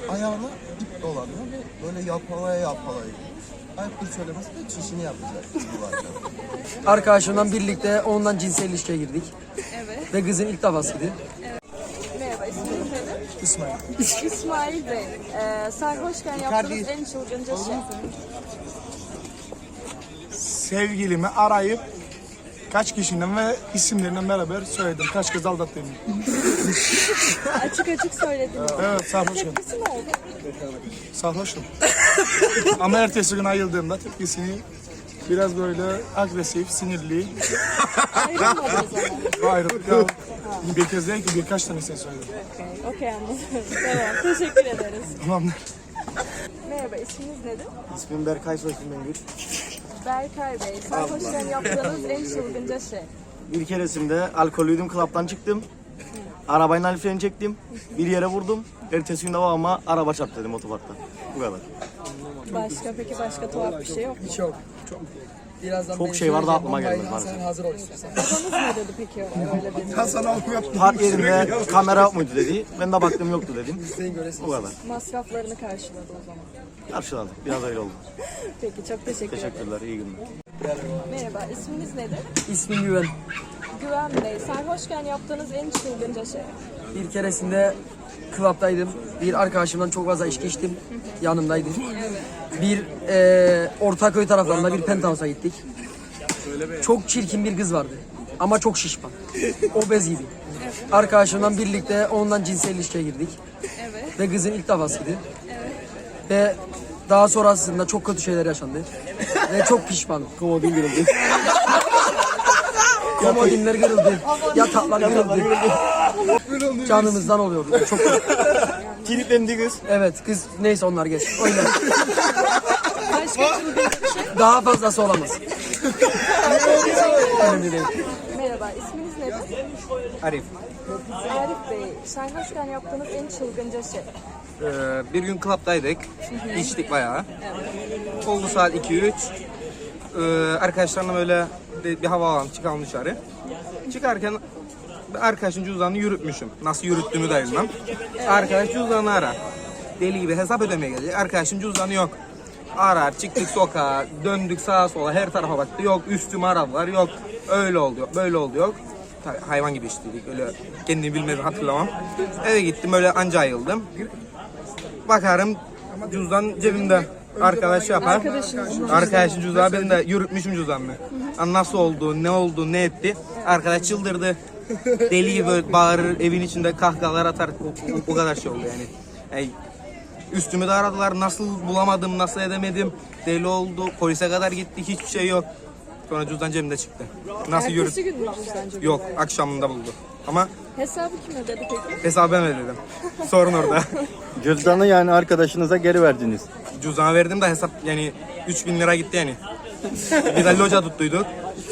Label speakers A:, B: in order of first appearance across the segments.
A: ayağına ip dolanıyor ve böyle yapalaya ayıptır söylemesi de çişini yapacak bu arkadaş.
B: Arkadaşımla birlikte ondan cinsel ilişkiye girdik.
C: Evet.
B: Ve kızın ilk defasıydı.
C: Merhaba, isminiz nedir?
A: İsmail.
C: İsmail Bey. Sarhoşken yaptığınız en çılgınca şey.
D: Sevgilimi arayıp kaç kişiden ve isimlerinden beraber söyledim. Kaç kız aldattığımı.
C: Açık açık söylediniz.
D: Evet, sarhoşum.
C: Tepkisi ne oldu?
D: Sarhoşum. Ama ertesi gün ayıldığımda tepkisini biraz böyle agresif, sinirli.
C: Ayrılmadınız ama.
D: Ayrılık ya. Bir kez değil ki birkaç tanesini söyledim.
C: Okey anladım. Tamam, teşekkür ederiz.
D: Tamamdır.
C: Merhaba, isminiz nedir?
A: İsmim Berkay, soyismim Bengül.
C: Berkay Bey. Sarhoşken yaptığınız en çılgınca şey.
E: Bir keresinde alkollüydüm, klaptan çıktım. Arabayla el freni çektim. Bir yere vurdum. Ertesi gün de babama araba çarptı dedim otoparkta. Bu kadar.
C: Peki başka tuhaf bir şey yok mu?
B: Çok. Birazdan
E: Çok şey vardı aklıma gelmedi maalesef.
B: Hazır ol istiyorsan.
C: Babanız ne dedi peki öyle dedi?
E: Park yerinde kamera yok muydu dedi. Ben de baktım yoktu dedim. Bu kadar.
C: Masraflarını karşıladı o zaman.
E: Karşıladık. Biraz öyle oldu.
C: Peki çok teşekkür ederim.
E: Teşekkürler. İyi günler.
C: Merhaba, isminiz nedir?
B: İsmim Güven.
C: Güven Bey. Sarhoşken yaptığınız en çılgınca şey.
B: Bir keresinde klaptaydım. Bir arkadaşımdan çok fazla içki içtim. Yanımdaydı. Bir Ortaköy taraflarında bir penthouse'a gittik. Çok çirkin bir kız vardı. Ama çok şişman. Obez gibi. Arkadaşımla birlikte ondan cinsel ilişkiye girdik.
C: Evet.
B: Ve kızın ilk defasıydı. Ve daha sonrasında çok kötü şeyler yaşandı. Ve çok pişmanım. Komodin kırıldı. Komodinler kırıldı. Yataklar kırıldı. Canımızdan oluyordu. Çok kötü.
E: Kilitlendi kız.
B: Evet kız neyse onlar geç. Oynar.
C: Başka çılgınca bir şey.
B: Daha fazlası olamaz. Önemli değil.
C: Merhaba, isminiz nedir?
F: Arif.
C: Arif Bey. Sarhoşken yaptığınız en çılgınca şey.
F: Bir gün klaptaydık. İçtik bayağı. Oldu saat 2-3. Arkadaşlarla böyle bir hava alalım, çıkalım dışarı. Çıkarken arkadaşın cüzdanını yürütmüşüm. Nasıl yürüttüğümü de bilmem. Arkadaş cüzdanını arar. Deli gibi hesap ödemeye gelecek. Arkadaşın cüzdanı yok. Arar, çıktık sokağa, döndük sağa sola, her tarafa baktı. Yok üstüme aradılar, yok öyle oldu, böyle oldu, yok. Tabii hayvan gibi içtiydik, öyle kendimi bilmeden hatırlamam. Eve gittim, öyle anca ayıldım. Bakarım cüzdan cebimde. Arkadaş yapar. Arkadaşın cüzdanı, ben de yürütmüşüm cüzdanını. Nasıl oldu, ne oldu, ne etti. Arkadaş çıldırdı. Deli gibi böyle bağırır, evin içinde kahkahalar atar. O kadar şey oldu yani. Üstümü de aradılar, nasıl bulamadım, nasıl edemedim. Deli oldu, polise kadar gittik, hiçbir şey yok. Sonra cüzdan cebimde çıktı. Nasıl
C: Ertesi gün mü cüzdan cebinde?
F: Yok, akşamında buldu. Ama
C: Hesabı kim ödedi peki?
F: hesabı ben ödedim. Sorun orada.
E: Cüzdanı yani arkadaşınıza geri verdiniz.
F: Cüzdanı verdim de hesap yani 3000 lira gitti yani. Bir de loca tuttuyduk.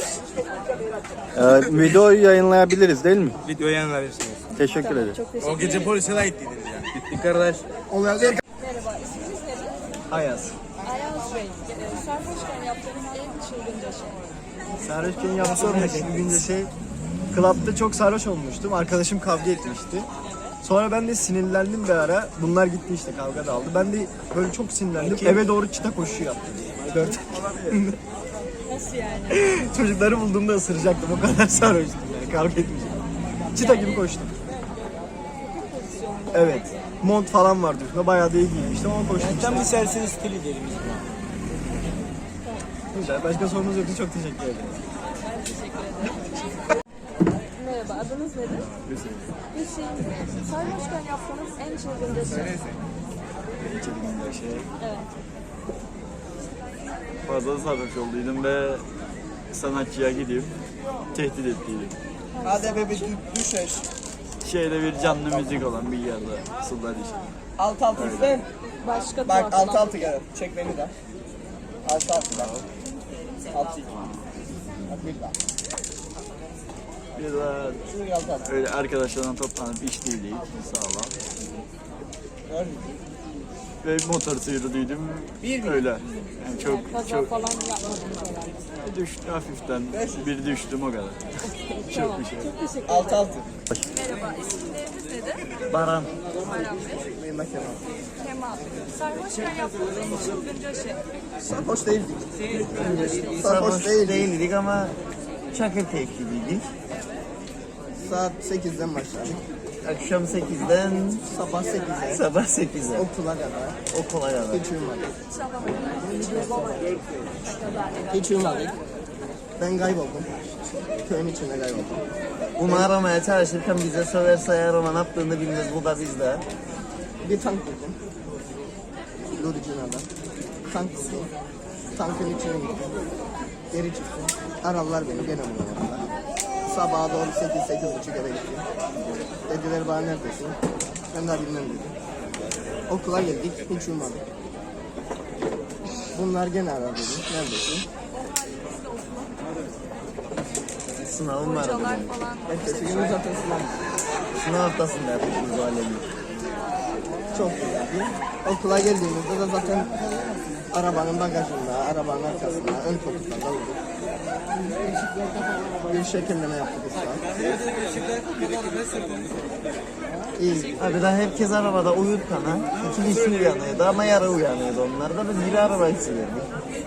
E: Videoyu yayınlayabiliriz değil mi?
F: Videoyu yayınlayabilirsiniz.
E: Teşekkür ederim.
C: Çok teşekkür ederim.
F: Gece polise de gittiydiniz ya. Gittik kardeş.
C: Merhaba, isminiz nedir?
E: Ayaz.
C: Ayaz Bey. Sarhoşken yaptığınız en çılgınca şey.
G: Sarhoşken yaptığım çılgınca şey, klapta çok sarhoş olmuştum. Arkadaşım kavga etmişti. Sonra ben de sinirlendim bir ara. Bunlar gitti işte, kavga da aldı. Ben de böyle çok sinirlendim. Eve doğru çita koşu yaptım. 4
C: Nasıl yani?
G: çocukları bulduğumda ısıracaktım. O kadar sarhoştum yani, kavga etmeyeceğim. Çita gibi koştum. Evet. Mont falan vardı üstünde. Bayağı da iyi giymiştim ama koştum.
E: Tam bir serseri stili diyelim biz buna.
G: Güzel. Başka sorunuz yoksa çok teşekkür ederim.
C: Merhaba, adınız nedir? Hüseyin Bey. Sarhoşken yaptığınız en çılgınca şey.
G: Çılgınca şey.
C: Evet.
E: Fazla sarhoş olduydum ve sanatçıya gidip tehdit ettiydim.
A: Hadi be bir düşeş.
E: Şeyde bir canlı müzik olan bir yerde sular işte.
A: Alt üstten.
C: Başka
A: Bak
C: tuhaf olan.
A: altı gel. Çek beni de. Altı bak. Altı. Bak bir daha.
E: Bir de
A: Şunu altı.
E: öyle arkadaşlarla toplanıp içtiydik sağlam. Ve motor sürdüydüm. Öyle. Yani çok
C: Kaza falan yapmadınız herhalde.
E: düştü hafiften. Bir düştüm o kadar.
C: Tamam.
E: bir şey.
C: Çok teşekkür ederim.
A: Altı.
C: Merhaba, isimleriniz nedir?
E: Baran.
C: Baran Bey.
A: Yanında Kemal.
C: Kemal. Sarhoşken yaptığınız en çılgınca şey.
A: Sarhoş değildik. Sarhoş
E: değildik ama çakır keyifliydik.
A: Saat 8'den başladık.
E: Akşam 8'den
A: Sabah 8'e.
E: sabah 8'e
A: Okula kadar.
E: okula kadar.
A: Hiç uyumadık.
C: Sabah kadar.
A: Hiç uyumadık. Ben kayboldum. Köyün içinde kayboldum.
E: Bunu aramaya çalışırken bize söverse eğer ona ne yaptığını bilmez, bu da bizde.
A: Bir tank buldum. Luricina'da. Tank buldum. Tankın içine gittim. Geri çıktım. Aradılar beni, gene bulamadılar. Sabaha doğru 8-8.30 eve gittim. Dediler bana neredesin? Ben daha bilmem dedim. Okula geldik, hiç uyumadık. Bunlar gene aradı dedi. Neredesin?
E: Sınavım var.
C: Hocalar falan.
A: Ertesi gün zaten sınav.
E: Sınav haftasında yapmışız bu alemi.
A: Çok güzeldi. Okula geldiğimizde de zaten arabanın bagajında, arabanın arkasında, ön koltuklarda uyuduk. Bir şekilleme yaptık usta. İyi.
E: Abi daha herkes arabada uyurken ha. 2 kişi uyanıyordu ama yarı uyanıyordu onlar da. Biz biri arabayı sürüyorduk.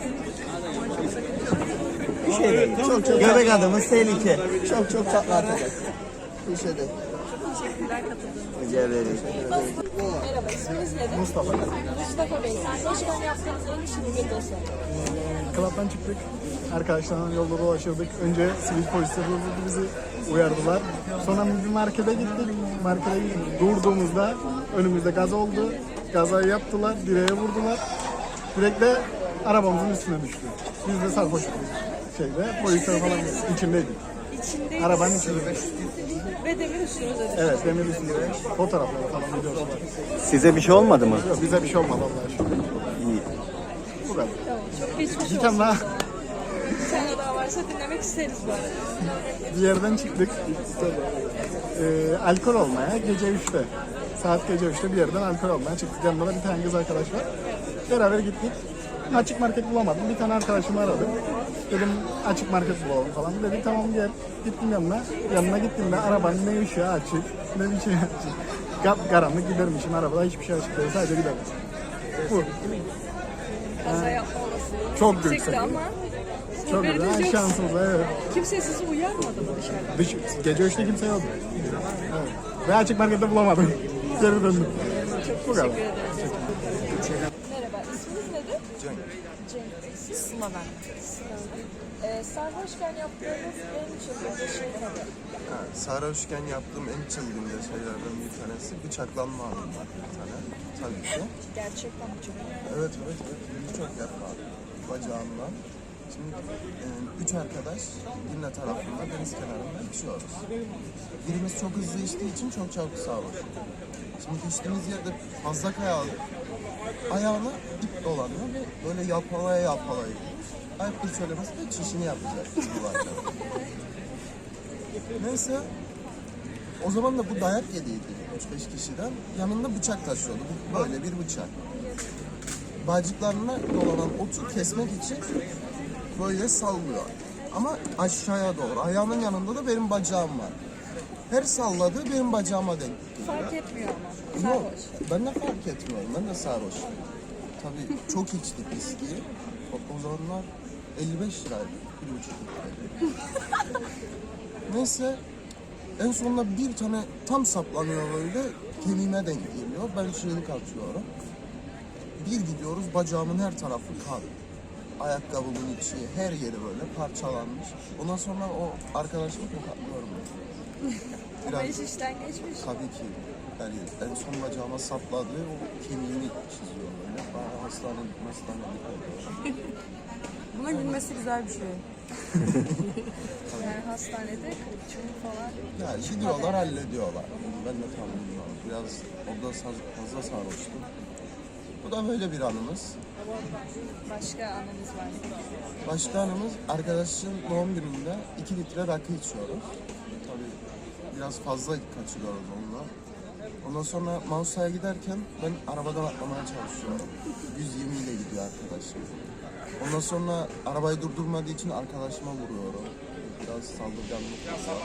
E: Bir şey değil.
A: Çok
E: Göbek adımız tehlike.
A: çok tatlı atacak. Bir şey değil.
C: Teşekkürler katıldığınız için.
E: Rica ederim.
C: Merhaba, isminiz nedir?
D: Mustafa.
C: Mustafa Bey, sarhoşken yaptığınız en çılgınca şey.
D: Klaptan çıktık. Arkadaşlarla yolda dolaşıyorduk. Önce sivil polisler durdu, bizi uyardılar. Sonra bir markete gittik. Markete durduğumuzda önümüzde gaz oldu. Gazayı yaptılar, direğe vurdular. Direkt de arabamızın üstüne düştü. Biz de sarhoştuk şeyde. Polisler falan içindeydik.
C: İçindeyiz.
D: Arabanın içinde.
C: Ve demir üstünüze düştü.
D: Evet, demir üstünde. Fotoğrafları falan videosu var.
E: Size bir şey olmadı mı?
D: Yok, bize bir şey olmadı Allah'a şükür.
E: İyi.
D: Bu kadar.
C: Tamam, çok geçmiş
D: Bir
C: olsun.
D: tane daha
C: Bir tane daha varsa dinlemek isteriz bu arada.
D: bir yerden çıktık. Alkol olmaya gece 3'te. Saat gece 3'te bir yerden alkol olmaya çıktık. Yanımda da bir tane kız arkadaş var. Beraber gittik. Açık market bulamadım. Bir tane arkadaşımı aradım. Dedim açık market bulalım falan. Dedi tamam gel. Gittim yanına. Yanına gittiğimde arabanın ne ışığı açık ne bir şey açık. Karanlık gidermişim arabada hiçbir şey açık değil. Sadece giderdim. Bu.
C: Kaza yapma olasılığı.
D: Çok
C: yüksekti
D: yüksek.
C: ama
D: Çok
C: haberiniz
D: güzel.
C: yok.
D: Şansımız evet.
C: Kimse sizi uyarmadı mı dışarıdan?
D: Gece 3'te kimse yoktu. Evet. Ve açık markette bulamadım. Geri döndüm. Bu kadar.
C: Teşekkür ederiz. Merhaba, isminiz nedir?
A: Cenk.
C: Cenk Bey. Siz? Sıla ben. Sarhoşken yaptığınız en çılgınca şey nedir?
A: Sarhoşken yaptığım en çılgınca şeylerden bir tanesi bıçaklanma anım var bir tane. Tabii ki.
C: Gerçekten çok
A: Evet. Birçok defa bacağımdan. Şimdi 3 arkadaş Dinle tarafında deniz kenarında içiyoruz. Birimiz çok hızlı içtiği için çok çabuk sarhoş. Şimdi içtiğimiz yerde fazla kayalı. Ayağına ip dolanıyor ve böyle yapalaya ayıptır söylemesi de çişini yapacak bu arkadaş. Neyse. O zaman da bu dayak yediydi 3-5 kişiden. Yanında bıçak taşıyordu. Böyle bir bıçak. Bacıklarına dolanan otu kesmek için böyle sallıyor. Ama aşağıya doğru. Ayağının yanında da benim bacağım var. Her salladığı benim bacağıma denk.
C: fark etmiyor ama.
A: Yok,
C: Sarhoş.
A: ben de fark etmiyorum. Ben de sarhoş. Tabii çok içtik viskiyi. O zamanlar 55 liraydı. 1,5 liraydı. Neyse. En sonunda bir tane tam saplanıyor böyle. Kemiğime denk geliyor. Ben çığlık atıyorum. Bir gidiyoruz, bacağımın her tarafı kan. Ayakkabımın içi, her yeri böyle parçalanmış. Ondan sonra o arkadaşımı tokatlıyorum.
C: Ama iş işten geçmiş.
A: Tabii ki. Yani en son bacağıma sapladı, o kemiğini çiziyor böyle. Bayağı hastanelik oldu.
C: Buna gülmesi güzel bir şey. Yani hastanede kırıkçılık falan.
A: Yani gidiyorlar, hallediyorlar. Ben de tam bilmiyorum. Biraz orada fazla sarhoştum. Bu da böyle bir anımız.
C: Başka anınız var mı?
A: Başka anımız, arkadaşın doğum gününde 2 litre rakı içiyoruz. Tabii biraz fazla kaçırıyoruz onunla. Ondan sonra Mausa'ya giderken ben arabadan atlamaya çalışıyorum. 120 ile gidiyor arkadaşım. Ondan sonra arabayı durdurmadığı için arkadaşıma vuruyorum. biraz saldırganlık var.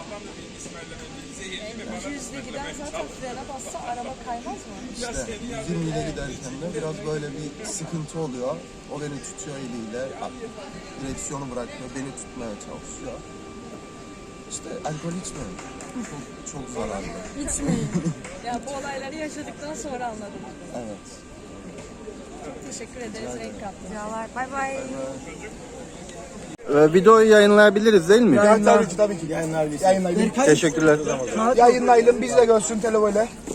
C: 200'de giden zaten frene bassa araba kaymaz mı?
A: İşte 120 ile giderken de biraz böyle bir sıkıntı oluyor. O beni tutuyor eliyle, direksiyonu bırakmıyor, beni tutmaya çalışıyor. İşte alkol içmiyorum. Çok zararlı.
C: İçmeyin. Ya bu olayları yaşadıktan sonra anladım.
A: Evet.
C: Çok teşekkür ederiz renk kattınız.
H: Bay bay.
F: Videoyu yayınlayabiliriz değil mi?
D: Tabii ki yayınlayabiliriz.
F: Teşekkürler.
D: Yayınlayalım biz de görsün televoyla.